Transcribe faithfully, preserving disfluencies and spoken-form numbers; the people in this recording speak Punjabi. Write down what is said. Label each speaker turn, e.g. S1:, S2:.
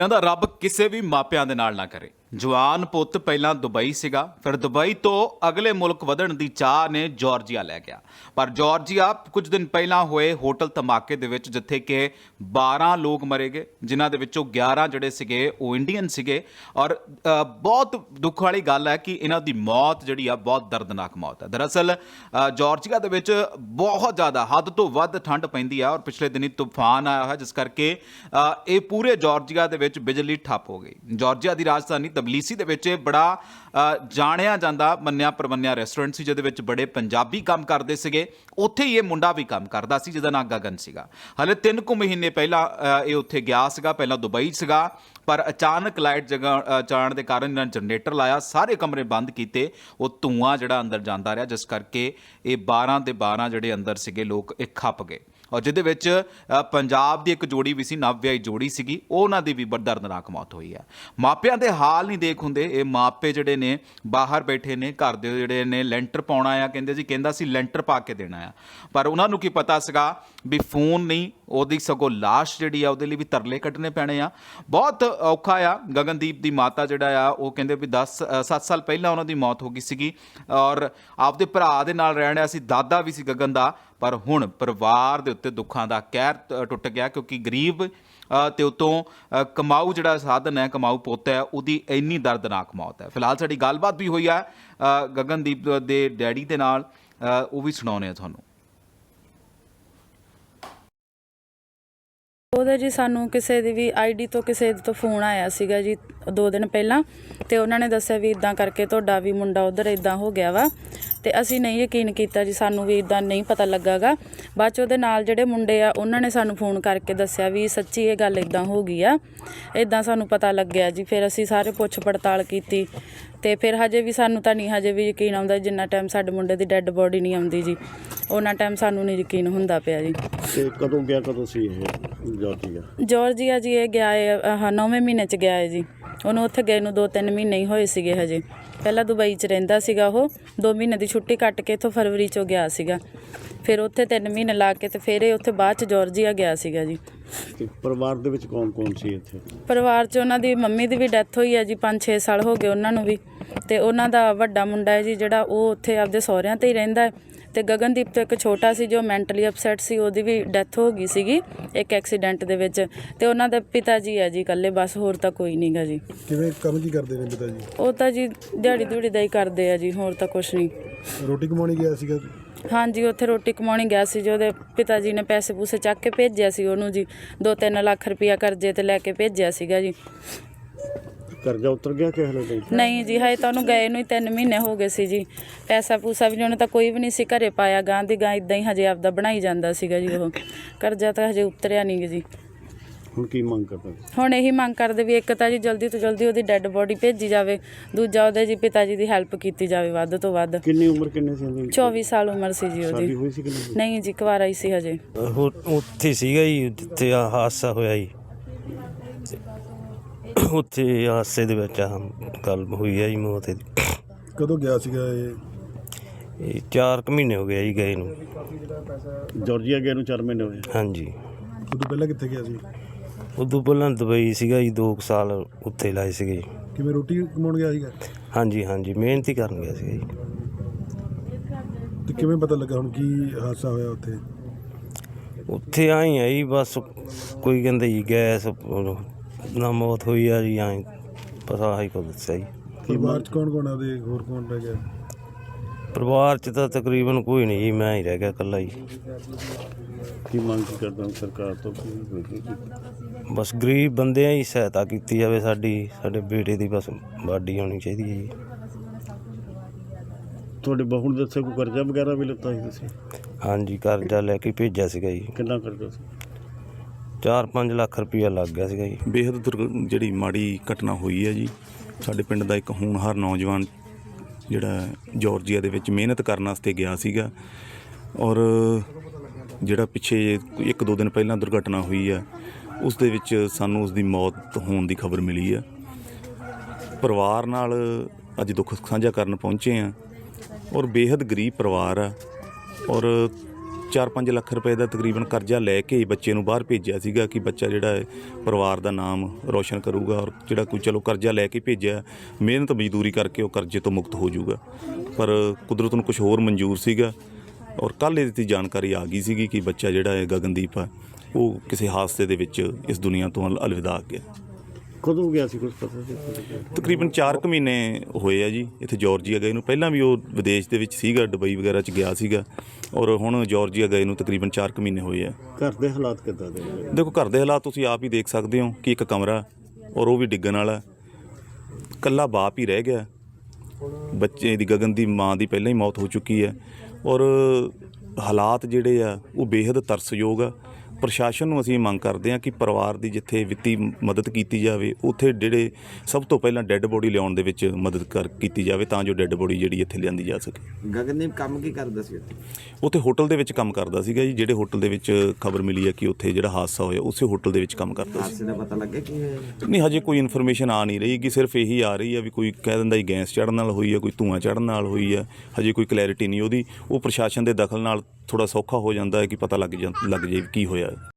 S1: ਕਹਿੰਦਾ ਰੱਬ ਕਿਸੇ ਵੀ ਮਾਪਿਆਂ ਦੇ ਨਾਲ ਨਾ ਕਰੇ। ਜਵਾਨ ਪੁੱਤ ਪਹਿਲਾਂ ਦੁਬਈ ਸੀਗਾ, ਫਿਰ ਦੁਬਈ ਤੋਂ ਅਗਲੇ ਮੁਲਕ ਵਧਣ ਦੀ ਚਾਹ ਨੇ ਜਾਰਜੀਆ ਲੈ ਗਿਆ। ਪਰ ਜਾਰਜੀਆ ਕੁਝ ਦਿਨ ਪਹਿਲਾਂ ਹੋਏ ਹੋਟਲ ਧਮਾਕੇ ਦੇ ਵਿੱਚ ਜਿੱਥੇ ਕਿ ਬਾਰਾਂ ਲੋਕ ਮਰੇ ਗਏ, ਜਿਨ੍ਹਾਂ ਦੇ ਵਿੱਚੋਂ ਗਿਆਰਾਂ ਜਿਹੜੇ ਸੀਗੇ ਉਹ ਇੰਡੀਅਨ ਸੀਗੇ। ਔਰ ਅ, ਬਹੁਤ ਦੁੱਖ ਵਾਲੀ ਗੱਲ ਹੈ ਕਿ ਇਹਨਾਂ ਦੀ ਮੌਤ ਜਿਹੜੀ ਆ ਬਹੁਤ ਦਰਦਨਾਕ ਮੌਤ ਹੈ। ਦਰਅਸਲ ਅ, ਜਾਰਜੀਆ ਦੇ ਵਿੱਚ ਬਹੁਤ ਜ਼ਿਆਦਾ ਹੱਦ ਤੋਂ ਵੱਧ ਠੰਡ ਪੈਂਦੀ ਆ ਔਰ ਪਿਛਲੇ ਦਿਨੀ ਤੂਫਾਨ ਆਇਆ ਹੋਇਆ, ਜਿਸ ਕਰਕੇ ਅ, ਇਹ ਪੂਰੇ ਜਾਰਜੀਆ ਦੇ ਵਿੱਚ ਬਿਜਲੀ ਠੱਪ ਹੋ ਗਈ। ਜਾਰਜੀਆ ਦੀ ਰਾਜਧਾਨੀ ਤਬਲੀਸੀ ਦੇ ਵਿੱਚ ਬੜਾ ਅ, ਜਾਣਿਆ ਜਾਂਦਾ ਮੰਨਿਆ ਪ੍ਰਮੰਨਿਆ ਰੈਸਟੋਰੈਂਟ ਸੀ, ਜਿਹਦੇ ਵਿੱਚ ਬੜੇ ਪੰਜਾਬੀ ਕੰਮ ਕਰਦੇ ਸੀਗੇ। ਉੱਥੇ ਹੀ ਇਹ ਮੁੰਡਾ ਵੀ ਕੰਮ ਕਰਦਾ ਸੀ, ਜਿਹਦਾ ਨਾਂ ਗਗਨ ਸੀਗਾ। ਹਲੇ ਤਿੰਨ ਕੁ ਮਹੀਨੇ ਪਹਿਲਾਂ ਅ, ਇਹ ਉੱਥੇ ਗਿਆ ਸੀਗਾ, ਪਹਿਲਾਂ ਦੁਬਈ ਸੀਗਾ। ਪਰ ਅਚਾਨਕ ਲਾਈਟ ਜਗਾ ਜਾਣ ਦੇ ਕਾਰਨ ਇਹਨਾਂ ਨੇ ਜਨਰੇਟਰ ਲਾਇਆ, ਸਾਰੇ ਕਮਰੇ ਬੰਦ ਕੀਤੇ, ਉਹ ਧੂੰਆਂ ਜਿਹੜਾ ਅੰਦਰ ਜਾਂਦਾ ਰਿਹਾ, ਜਿਸ ਕਰਕੇ ਇਹ ਬਾਰਾਂ ਦੇ ਬਾਰਾਂ ਜਿਹੜੇ ਅੰਦਰ ਸੀਗੇ ਲੋਕ ਇਹ ਖੱਪ ਗਏ। ਔਰ ਜਿਹਦੇ ਵਿੱਚ ਅ, ਪੰਜਾਬ ਦੀ ਇੱਕ ਜੋੜੀ ਵੀ ਸੀ, ਨਵ ਵਿਆਹੀ ਜੋੜੀ ਸੀਗੀ, ਉਹਨਾਂ ਦੀ ਵੀ ਬੜੀ ਦਰਦਨਾਕ ਮੌਤ ਹੋਈ ਹੈ। ਮਾਪਿਆਂ ਦੇ ਹਾਲ ਨਹੀਂ ਦੇਖ ਹੁੰਦੇ। ਇਹ ਮਾਪੇ ਜਿਹੜੇ ਨੇ ਬਾਹਰ ਬੈਠੇ ਨੇ, ਘਰ ਦੇ ਜਿਹੜੇ ਨੇ ਲੈਂਟਰ ਪਾਉਣਾ ਆ, ਕਹਿੰਦੇ ਜੀ ਕਹਿੰਦਾ ਸੀ ਲੈਂਟਰ ਪਾ ਕੇ ਦੇਣਾ ਆ, ਪਰ ਉਹਨਾਂ ਨੂੰ ਕੀ ਪਤਾ ਸੀਗਾ ਵੀ ਫੋਨ ਨਹੀਂ, ਉਹਦੀ ਸਗੋਂ ਲਾਸ਼ ਜਿਹੜੀ ਆ ਉਹਦੇ ਲਈ ਵੀ ਤਰਲੇ ਕੱਢਣੇ ਪੈਣੇ ਆ। ਬਹੁਤ ਔਖਾ ਆ। ਗਗਨਦੀਪ ਦੀ ਮਾਤਾ ਜਿਹੜਾ ਆ ਉਹ ਕਹਿੰਦੇ ਵੀ ਦਸ ਸੱਤ ਸਾਲ ਪਹਿਲਾਂ ਉਹਨਾਂ ਦੀ ਮੌਤ ਹੋ ਗਈ ਸੀਗੀ ਔਰ ਆਪਦੇ ਭਰਾ ਦੇ ਨਾਲ ਰਹਿਣ ਰਿਹਾ ਸੀ, ਦਾਦਾ ਵੀ ਸੀ ਗਗਨ ਦਾ। ਪਰ ਹੁਣ ਪਰਿਵਾਰ ਦੇ ਉੱਤੇ ਦੁੱਖਾਂ ਦਾ ਕਹਿਰ ਟ- ਟੁੱਟ ਗਿਆ, ਕਿਉਂਕਿ ਗਰੀਬ ਅ, ਤੇ ਉਤੋਂ ਅ, ਕਮਾਊ ਜਿਹੜਾ ਸਾਧਨ ਹੈ, ਕਮਾਊ ਪੁੱਤ ਹੈ, ਉਹਦੀ ਇੰਨੀ ਦਰਦਨਾਕ ਮੌਤ ਹੈ। ਫਿਲਹਾਲ ਸਾਡੀ ਗੱਲਬਾਤ ਵੀ ਹੋਈ ਆ ਅ, ਗਗਨਦੀਪ ਦੇ ਡੈਡੀ ਦੇ ਨਾਲ, ਅ, ਉਹ ਵੀ ਸੁਣਾਉਂਦੇ ਆ ਤੁਹਾਨੂੰ।
S2: ਉਹਦਾ ਜੀ ਸਾਨੂੰ ਕਿਸੇ ਦੀ ਵੀ ਆਈਡੀ ਤੋਂ ਕਿਸੇ ਤੋਂ ਫੋਨ ਆਇਆ ਸੀਗਾ ਜੀ ਦੋ ਦਿਨ ਪਹਿਲਾਂ, ਤੇ ਉਹਨਾਂ ਨੇ ਦੱਸਿਆ ਵੀ ਇਦਾਂ ਕਰਕੇ ਤੁਹਾਡਾ ਵੀ ਮੁੰਡਾ ਉਧਰ ਇਦਾਂ ਹੋ ਗਿਆ ਵਾ। ਤੇ ਅਸੀਂ ਨਹੀਂ ਯਕੀਨ ਕੀਤਾ ਜੀ, ਸਾਨੂੰ ਵੀ ਇਦਾਂ ਨਹੀਂ ਪਤਾ ਲੱਗਾਗਾ। ਬਾਅਦ 'ਚ ਉਹਦੇ ਨਾਲ ਜਿਹੜੇ ਮੁੰਡੇ ਆ ਉਹਨਾਂ ਨੇ ਸਾਨੂੰ ਫੋਨ ਕਰਕੇ ਦੱਸਿਆ ਵੀ ਸੱਚੀ ਇਹ ਗੱਲ ਇਦਾਂ ਹੋ ਗਈ ਆ, ਇਦਾਂ ਸਾਨੂੰ ਪਤਾ ਲੱਗਿਆ ਜੀ। ਫਿਰ ਅਸੀਂ ਸਾਰੇ ਪੁੱਛ ਪੜਤਾਲ ਕੀਤੀ ਤੇ ਫਿਰ ਹਜੇ ਵੀ ਸਾਨੂੰ ਤਾਂ ਨਹੀਂ ਹਜੇ ਵੀ ਯਕੀਨ ਆਉਂਦਾ, ਜਿੰਨਾ ਟਾਈਮ ਸਾਡੇ ਮੁੰਡੇ ਦੀ ਡੈੱਡ ਬੋਡੀ ਨਹੀਂ ਆਉਂਦੀ ਜੀ, ਉਹਨਾਂ ਟਾਈਮ ਸਾਨੂੰ ਨਹੀਂ ਯਕੀਨ ਹੁੰਦਾ ਪਿਆ ਜੀ।
S3: ਤੇ ਕਦੋਂ ਗਿਆ ਕਦੋਂ ਸੀ ਇਹ ਜਾਰਜੀਆ?
S2: ਜਾਰਜੀਆ ਜੀ ਇਹ ਗਿਆ ਹੈ ਆਹ ਨੌਵੇਂ ਮਹੀਨੇ 'ਚ ਗਿਆ ਹੈ ਜੀ। ਉਹਨੂੰ ਉੱਥੇ ਗਏ ਨੂੰ ਦੋ ਤਿੰਨ ਮਹੀਨੇ ਹੀ ਹੋਏ ਸੀਗੇ ਹਜੇ। ਪਹਿਲਾਂ ਦੁਬਈ 'ਚ ਰਹਿੰਦਾ ਸੀਗਾ ਉਹ, ਦੋ ਮਹੀਨੇ ਦੀ ਛੁੱਟੀ ਕੱਟ ਕੇ ਇੱਥੋਂ ਫਰਵਰੀ 'ਚੋਂ ਗਿਆ ਸੀਗਾ। ਫਿਰ ਉੱਥੇ ਤਿੰਨ ਮਹੀਨੇ ਲਾ ਕੇ ਤੇ ਫਿਰ ਇਹ ਉੱਥੇ ਬਾਅਦ 'ਚ ਜਾਰਜੀਆ ਗਿਆ ਸੀਗਾ ਜੀ।
S3: ਤੇ ਪਰਿਵਾਰ ਦੇ ਵਿੱਚ ਕੌਣ ਕੌਣ ਸੀ ਇੱਥੇ?
S2: ਪਰਿਵਾਰ 'ਚ ਉਹਨਾਂ ਦੀ ਮੰਮੀ ਦੀ ਵੀ ਡੈਥ ਹੋਈ ਹੈ ਜੀ, ਪੰਜ ਛੇ ਸਾਲ ਹੋ ਗਏ ਉਹਨਾਂ ਨੂੰ ਵੀ। ਤੇ ਉਹਨਾਂ ਦਾ ਵੱਡਾ ਮੁੰਡਾ ਹੈ ਜੀ ਜਿਹੜਾ ਉਹ ਉੱਥੇ ਆਪਦੇ ਸਹੁਰਿਆਂ 'ਤੇ ਹੀ ਰਹਿੰਦਾ ਹੈ। ਤੇ ਗਗਨਦੀਪ ਤੋਂ ਇੱਕ ਛੋਟਾ ਸੀ ਜੋ ਮੈਂਟਲੀ ਅਪਸੈਟ ਸੀ, ਉਹਦੀ ਵੀ ਡੈਥ ਹੋ ਗਈ ਸੀਗੀ ਇੱਕ ਐਕਸੀਡੈਂਟ ਦੇ ਵਿੱਚ। ਤੇ ਉਹਨਾਂ ਦੇ ਪਿਤਾ ਜੀ ਹੈ ਜੀ ਇਕੱਲੇ, ਬਸ ਹੋਰ ਤਾਂ ਕੋਈ ਨਹੀਂ ਗਾ ਜੀ।
S4: ਕਿਵੇਂ ਕੰਮ ਕੀ ਕਰਦੇ ਨੇ ਪਿਤਾ ਜੀ?
S2: ਉਹ ਤਾਂ ਜੀ ਦਿਹਾੜੀ ਦਿਹੜੀ ਦਾ ਹੀ ਕਰਦੇ ਆ ਜੀ, ਹੋਰ ਤਾਂ ਕੁਛ ਨਹੀਂ।
S4: ਰੋਟੀ ਕਮਾਉਣੀ ਗਿਆ ਸੀਗਾ?
S2: ਹਾਂਜੀ, ਉੱਥੇ ਰੋਟੀ ਕਮਾਉਣੀ ਗਿਆ ਸੀ ਜੀ। ਉਹਦੇ ਪਿਤਾ ਜੀ ਨੇ ਪੈਸੇ ਪੂਸੇ ਚੱਕ ਕੇ ਭੇਜਿਆ ਸੀ ਉਹਨੂੰ ਜੀ, ਦੋ ਤਿੰਨ ਲੱਖ ਰੁਪਇਆ ਕਰਜ਼ੇ ਤੇ ਲੈ ਕੇ ਭੇਜਿਆ ਸੀਗਾ ਜੀ।
S3: ਕਰਜ਼ਾ ਉਤਰ ਗਿਆ ਕਿ ਹਲੇ ਨਹੀਂ?
S2: ਨਹੀਂ ਜੀ, ਹਜੇ ਤਾਂ ਉਹਨੂੰ ਗਏ ਨੂੰ ਹੀ ਤਿੰਨ ਮਹੀਨੇ ਹੋ ਗਏ ਸੀ ਜੀ। ਪੈਸਾ ਪੂਸਾ ਵੀ ਉਹਨੇ ਤਾਂ ਕੋਈ ਵੀ ਨਹੀਂ ਸੀ ਘਰੇ ਪਾਇਆ, ਗਾਂ ਦੀ ਗਾਂ ਇੱਦਾਂ ਹੀ ਹਜੇ ਆਪਦਾ ਬਣਾਈ ਜਾਂਦਾ ਸੀਗਾ ਜੀ। ਉਹ ਕਰਜ਼ਾ ਤਾਂ ਹਜੇ ਉਤਰਿਆ ਨਹੀਂ ਜੀ।
S3: ਹੁਣ ਕੀ ਮੰਗ ਕਰਦਾ?
S2: ਹੁਣ ਇਹੀ ਮੰਗ ਕਰਦੇ ਵੀ ਇੱਕ ਤਾਂ ਜੀ ਜਲਦੀ ਤੋਂ ਜਲਦੀ ਉਹਦੀ ਡੈੱਡ ਬੋਡੀ ਭੇਜੀ ਜਾਵੇ, ਦੂਜਾ ਉਹਦੇ ਜੀ ਪਿਤਾ ਜੀ ਦੀ ਹੈਲਪ ਕੀਤੀ ਜਾਵੇ ਵੱਧ ਤੋਂ ਵੱਧ।
S3: ਕਿੰਨੀ ਉਮਰ ਕਿੰਨੇ ਸੀ ਉਹਦੀ?
S2: ਚੌਵੀ ਸਾਲ ਉਮਰ ਸੀ ਜੀ
S3: ਸ਼ਾਦੀ
S2: ਉਹਦੀ।
S3: ਹੋਈ ਸੀ ਕਿ ਨਹੀਂ?
S2: ਨਹੀਂ ਜੀ, ਕੁਆਰਾ ਹੀ ਸੀ ਹਜੇ।
S5: ਉਹ ਉੱਥੇ ਸੀਗਾ ਜੀ ਜਿੱਥੇ ਆਹ ਹਾਦਸਾ ਹੋਇਆ ਜੀ, ਉੱਥੇ ਹਾਦਸੇ ਦੇ ਵਿੱਚ ਆਹ ਗੱਲ ਹੋਈ ਹੈ ਜੀ ਮੌਤ ਦੀ।
S4: ਕਦੋਂ ਗਿਆ ਸੀਗਾ ਇਹ?
S5: ਇਹ ਚਾਰ ਕੁ ਮਹੀਨੇ ਹੋ ਗਏ ਜੀ ਗਏ ਨੂੰ।
S3: ਜਾਰਜੀਆ ਗਏ ਨੂੰ ਚਾਰ ਮਹੀਨੇ ਹੋਏ।
S5: ਹਾਂਜੀ,
S4: ਉਦੋਂ ਪਹਿਲਾਂ ਕਿੱਥੇ ਗਿਆ ਸੀ?
S5: ਉਦੋਂ ਪਹਿਲਾਂ ਦੁਬਈ ਸੀਗਾ ਜੀ, ਦੋ ਕੁ ਸਾਲ ਉੱਥੇ ਲਾਏ ਸੀਗੇ ਜੀ।
S4: ਕਿਵੇਂ ਰੋਟੀ ਕਮਾਉਣ ਗਿਆ ਸੀਗਾ?
S5: ਹਾਂਜੀ ਹਾਂਜੀ, ਮਿਹਨਤ ਹੀ ਕਰਨ ਗਿਆ ਸੀਗਾ ਜੀ।
S4: ਤੇ ਕਿਵੇਂ ਪਤਾ ਲੱਗਾ ਹੁਣ ਕੀ ਹਾਦਸਾ ਹੋਇਆ ਉੱਥੇ?
S5: ਉੱਥੇ ਆਈ ਆ ਜੀ, ਬਸ ਕੋਈ ਕਹਿੰਦੇ ਜੀ ਗੈਸ ਨਾਲ ਮੌਤ ਹੋਈ ਆ ਜੀ, ਐਂ ਪਤਾ ਆਹੀ ਕੁਝ ਦੱਸਿਆ ਜੀ।
S4: ਪਰਿਵਾਰ 'ਚ ਕੌਣ ਕੌਣ ਆ ਉਹਦੇ, ਹੋਰ ਕੌਣ ਰਹਿ ਗਿਆ?
S5: ਪਰਿਵਾਰ 'ਚ ਤਾਂ ਤਕਰੀਬਨ ਕੋਈ ਨਹੀਂ ਜੀ, ਮੈਂ ਹੀ ਰਹਿ ਗਿਆ ਇਕੱਲਾ ਜੀ।
S3: ਕੀ ਮੰਗ ਕਰਦਾ ਸਰਕਾਰ ਤੋਂ?
S5: ਬਸ ਗਰੀਬ ਬੰਦਿਆਂ ਹੀ ਸਹਾਇਤਾ ਕੀਤੀ ਜਾਵੇ ਸਾਡੀ, ਸਾਡੇ ਬੇਟੇ ਦੀ ਬਸ ਬਾਡੀ ਹੋਣੀ ਚਾਹੀਦੀ ਹੈ ਜੀ।
S3: ਤੁਹਾਡੇ ਬਹੂ ਨੇ ਦੱਸਿਆ ਕੋਈ ਕਰਜ਼ਾ ਵਗੈਰਾ ਵੀ ਲਿੱਤਾ ਸੀ ਤੁਸੀਂ?
S5: ਹਾਂਜੀ, ਕਰਜ਼ਾ ਲੈ ਕੇ ਭੇਜਿਆ ਸੀਗਾ ਜੀ,
S3: ਕਿੰਨਾ ਕਰਜ਼ਾ ਸੀ?
S5: ਚਾਰ ਪੰਜ ਲੱਖ ਰੁਪਈਆ ਲੱਗ ਗਿਆ ਸੀਗਾ ਜੀ।
S6: ਬੇਹੱਦ ਦੁਰਗ ਜਿਹੜੀ ਮਾੜੀ ਘਟਨਾ ਹੋਈ ਹੈ ਜੀ। ਸਾਡੇ ਪਿੰਡ ਦਾ ਇੱਕ ਹੋਣਹਾਰ ਨੌਜਵਾਨ ਜਿਹੜਾ ਜਾਰਜੀਆ ਦੇ ਵਿੱਚ ਮਿਹਨਤ ਕਰਨ ਵਾਸਤੇ ਗਿਆ ਸੀਗਾ, ਔਰ ਜਿਹੜਾ ਪਿੱਛੇ ਇੱਕ ਦੋ ਦਿਨ ਪਹਿਲਾਂ ਦੁਰਘਟਨਾ ਹੋਈ ਆ, ਉਸ ਦੇ ਵਿੱਚ ਸਾਨੂੰ ਉਸ ਦੀ ਮੌਤ ਹੋਣ ਦੀ ਖਬਰ ਮਿਲੀ ਆ। ਪਰਿਵਾਰ ਨਾਲ ਅੱਜ ਦੁੱਖ ਸਾਂਝਾ ਕਰਨ ਪਹੁੰਚੇ ਆ, ਔਰ ਬੇਹੱਦ ਗਰੀਬ ਪਰਿਵਾਰ ਆ, ਔਰ ਚਾਰ ਪੰਜ ਲੱਖ ਰੁਪਏ ਦਾ ਤਕਰੀਬਨ ਕਰਜ਼ਾ ਲੈ ਕੇ ਹੀ ਬੱਚੇ ਨੂੰ ਬਾਹਰ ਭੇਜਿਆ ਸੀਗਾ ਕਿ ਬੱਚਾ ਜਿਹੜਾ ਹੈ ਪਰਿਵਾਰ ਦਾ ਨਾਮ ਰੋਸ਼ਨ ਕਰੂਗਾ ਔਰ ਜਿਹੜਾ ਕੋਈ ਚਲੋ ਕਰਜ਼ਾ ਲੈ ਕੇ ਭੇਜਿਆ ਮਿਹਨਤ ਮਜ਼ਦੂਰੀ ਕਰਕੇ ਉਹ ਕਰਜ਼ੇ ਤੋਂ ਮੁਕਤ ਹੋ ਜਾਊਗਾ, ਪਰ ਕੁਦਰਤ ਨੂੰ ਕੁਝ ਹੋਰ ਮਨਜ਼ੂਰ ਸੀਗਾ ਔਰ ਕੱਲ੍ਹ ਇਹਦੀ ਦੀ ਜਾਣਕਾਰੀ ਆ ਗਈ ਸੀਗੀ ਕਿ ਬੱਚਾ ਜਿਹੜਾ ਹੈ ਗਗਨਦੀਪ ਆ ਉਹ ਕਿਸੇ ਹਾਦਸੇ ਦੇ ਵਿੱਚ ਇਸ ਦੁਨੀਆ ਤੋਂ ਅਲ- ਅਲਵਿਦਾ ਗਿਆ।
S3: ਕਦੋਂ ਗਿਆ ਸੀ ਕੁਝ ਪਤਾ ਸੀ?
S6: ਤਕਰੀਬਨ ਚਾਰ ਕੁ ਮਹੀਨੇ ਹੋਏ ਆ ਜੀ ਇੱਥੇ ਜਾਰਜੀਆ ਗਏ ਨੂੰ। ਪਹਿਲਾਂ ਵੀ ਉਹ ਵਿਦੇਸ਼ ਦੇ ਵਿੱਚ ਸੀਗਾ, ਦੁਬਈ ਵਗੈਰਾ 'ਚ ਗਿਆ ਸੀਗਾ ਔਰ ਹੁਣ ਜਾਰਜੀਆ ਗਏ ਨੂੰ ਤਕਰੀਬਨ ਚਾਰ ਕੁ ਮਹੀਨੇ ਹੋਏ ਆ।
S3: ਘਰ ਦੇ ਹਾਲਾਤ ਕਿੱਦਾਂ ਦੇ ਨੇ?
S6: ਦੇਖੋ ਘਰ ਦੇ ਹਾਲਾਤ ਤੁਸੀਂ ਆਪ ਹੀ ਦੇਖ ਸਕਦੇ ਹੋ ਕਿ ਇੱਕ ਕਮਰਾ ਔਰ ਉਹ ਵੀ ਡਿੱਗਣ ਵਾਲਾ, ਇਕੱਲਾ ਬਾਪ ਹੀ ਰਹਿ ਗਿਆ। ਬੱਚੇ ਦੀ ਗਗਨ ਦੀ ਮਾਂ ਦੀ ਪਹਿਲਾਂ ਹੀ ਮੌਤ ਹੋ ਚੁੱਕੀ ਹੈ ਔਰ ਹਾਲਾਤ ਜਿਹੜੇ ਆ ਉਹ ਬੇਹੱਦ ਤਰਸਯੋਗ ਆ। ਪ੍ਰਸ਼ਾਸਨ ਨੂੰ ਅਸੀਂ ਮੰਗ ਕਰਦੇ ਹਾਂ ਕਿ ਪਰਿਵਾਰ ਦੀ ਜਿੱਥੇ ਵਿੱਤੀ ਮਦਦ ਕੀਤੀ ਜਾਵੇ ਉੱਥੇ ਜਿਹੜੇ ਸਭ ਤੋਂ ਪਹਿਲਾਂ ਡੈੱਡ ਬੋਡੀ ਲਿਆਉਣ ਦੇ ਵਿੱਚ ਮਦਦ ਕਰ ਕੀਤੀ ਜਾਵੇ ਤਾਂ ਜੋ ਡੈੱਡ ਬੋਡੀ ਜਿਹੜੀ ਇੱਥੇ ਲਿਆਂਦੀ ਜਾ ਸਕੇ।
S7: ਗਗਨਦੀਪ ਕੰਮ ਕੀ ਕਰਦਾ ਸੀ ਉੱਥੇ?
S6: ਉੱਥੇ ਹੋਟਲ ਦੇ ਵਿੱਚ ਕੰਮ ਕਰਦਾ ਸੀਗਾ ਜੀ। ਜਿਹੜੇ ਹੋਟਲ ਦੇ ਵਿੱਚ ਖਬਰ ਮਿਲੀ ਹੈ ਕਿ ਉੱਥੇ ਜਿਹੜਾ ਹਾਦਸਾ ਹੋਇਆ ਉਸੇ ਹੋਟਲ ਦੇ ਵਿੱਚ ਕੰਮ ਕਰਦਾ ਸੀ।
S7: ਹਾਦਸੇ ਦਾ ਪਤਾ ਲੱਗਿਆ ਕੀ ਹੋਇਆ?
S6: ਨਹੀਂ, ਹਜੇ ਕੋਈ ਇਨਫੋਰਮੇਸ਼ਨ ਆ ਨਹੀਂ ਰਹੀ ਕਿ ਸਿਰਫ ਇਹੀ ਆ ਰਹੀ ਹੈ ਵੀ ਕੋਈ ਕਹਿ ਦਿੰਦਾ ਜੀ ਗੈਸ ਚੜ੍ਹਨ ਨਾਲ ਹੋਈ ਹੈ, ਕੋਈ ਧੂੰਆਂ ਚੜ੍ਹਨ ਨਾਲ ਹੋਈ ਹੈ। ਹਜੇ ਕੋਈ ਕਲੈਰਿਟੀ ਨਹੀਂ ਉਹਦੀ। ਉਹ ਪ੍ਰਸ਼ਾਸਨ ਦੇ ਦਖਲ ਨਾਲ ਥੋੜ੍ਹਾ ਸੌਖਾ ਹੋ ਜਾਂਦਾ ਹੈ ਕਿ ਪਤਾ ਲੱਗ ਜਾ ਲੱਗ ਜਾਏ ਕੀ ਹੋਇਆ।